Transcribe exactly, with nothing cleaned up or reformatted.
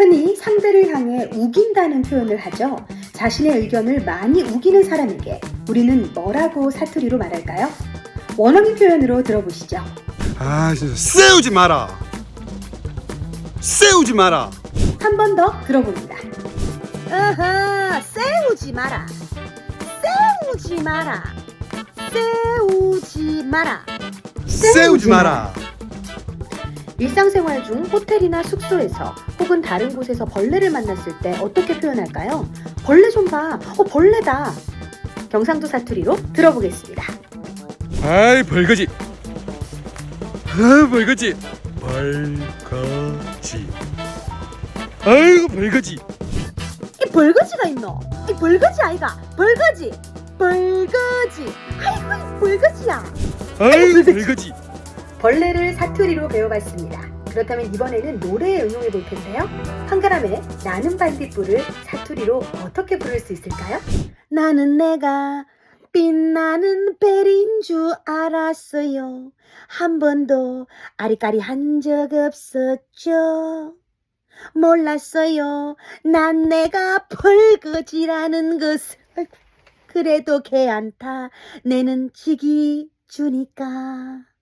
흔히 상대를 향해 우긴다는 표현을 하죠. 자신의 의견을 많이 우기는 사람에게 우리는 뭐라고 사투리로 말할까요? 원어민 표현으로 들어보시죠. 아 진짜 세우지 마라. 세우지 마라. 한 번 더 들어봅니다. 어허, 세우지 마라. 세우지 마라. 세우지 마라. 세우지 마라. 일상생활 중 호텔이나 숙소에서 혹은 다른 곳에서 벌레를 만났을 때 어떻게 표현할까요? 벌레 좀 봐. 어, 벌레다. 경상도 사투리로 들어보겠습니다. 아이 벌거지. 아 벌거지. 벌거지. 아이고 벌거지. 이 벌거지가 있노? 이 벌거지 아이가? 벌거지. 벌거지. 아이고 이 벌거지야. 아이고 벌거지. 벌레를 사투리로 배워봤습니다. 그렇다면 이번에는 노래에 응용해 볼 텐데요. 한가람의 나는 반딧불을 사투리로 어떻게 부를 수 있을까요? 나는 내가 빛나는 벨인 줄 알았어요. 한 번도 아리까리 한 적 없었죠. 몰랐어요. 난 내가 벌거지라는 것을. 그래도 걔 안타 내는 지기 주니까.